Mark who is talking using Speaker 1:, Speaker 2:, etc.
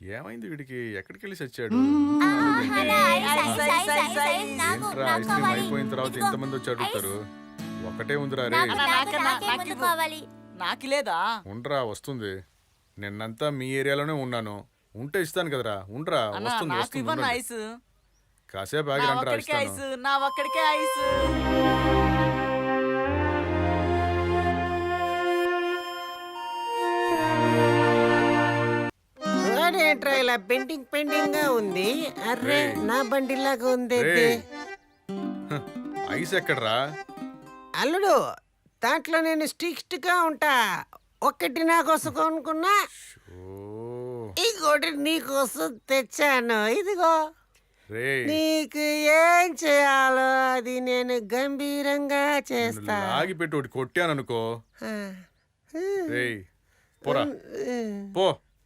Speaker 1: ఏమైంది వీడికి? ఎక్కడికి వెళ్ళి చచ్చాడు? ఏంట్రా ఐస్ క్రీమ్ అయిపోయిన తర్వాత ఇంతమంది వచ్చి అడుగుతారు? ఒకటే ఉందిరా రే.
Speaker 2: నాకు లేదా?
Speaker 1: ఉండరా వస్తుంది. నిన్నంతా మీ ఏరియాలోనే ఉన్నాను. ఉంటే ఇస్తాను కదరా. ఉండరా వస్తుంది వస్తుంది ఉండండి.
Speaker 2: ఐస్
Speaker 1: కాసేపు ఆగి రండిరా ఇస్తాను.
Speaker 2: నా ఒక్కడికే ఐస్.
Speaker 3: ఏంట్రా ఇలా పెండింగ్ పెండింగ్ గా ఉంది? అర్రే నా బండిలాగా ఉంది.
Speaker 1: రేయ్. హ, ఐస్ ఎక్కడ్రా?
Speaker 3: అల్లుడు దాంట్లో నేను స్ట్రిక్ట్ గా ఉంటా. ఒక్కటి నా కోసం కొనుక్కున్నా,
Speaker 1: ఓ,
Speaker 3: ఇంకోటి నీ కోసం తెచ్చాను. ఇదిగో
Speaker 1: రేయ్
Speaker 3: నీకు ఏం చేయాలో అది నేను గంభీరంగా చేస్తా.
Speaker 1: లాగి పెట్టి ఒకటి కొట్టాను అనుకో.
Speaker 3: ఆ.
Speaker 1: రేయ్ పోరా పో.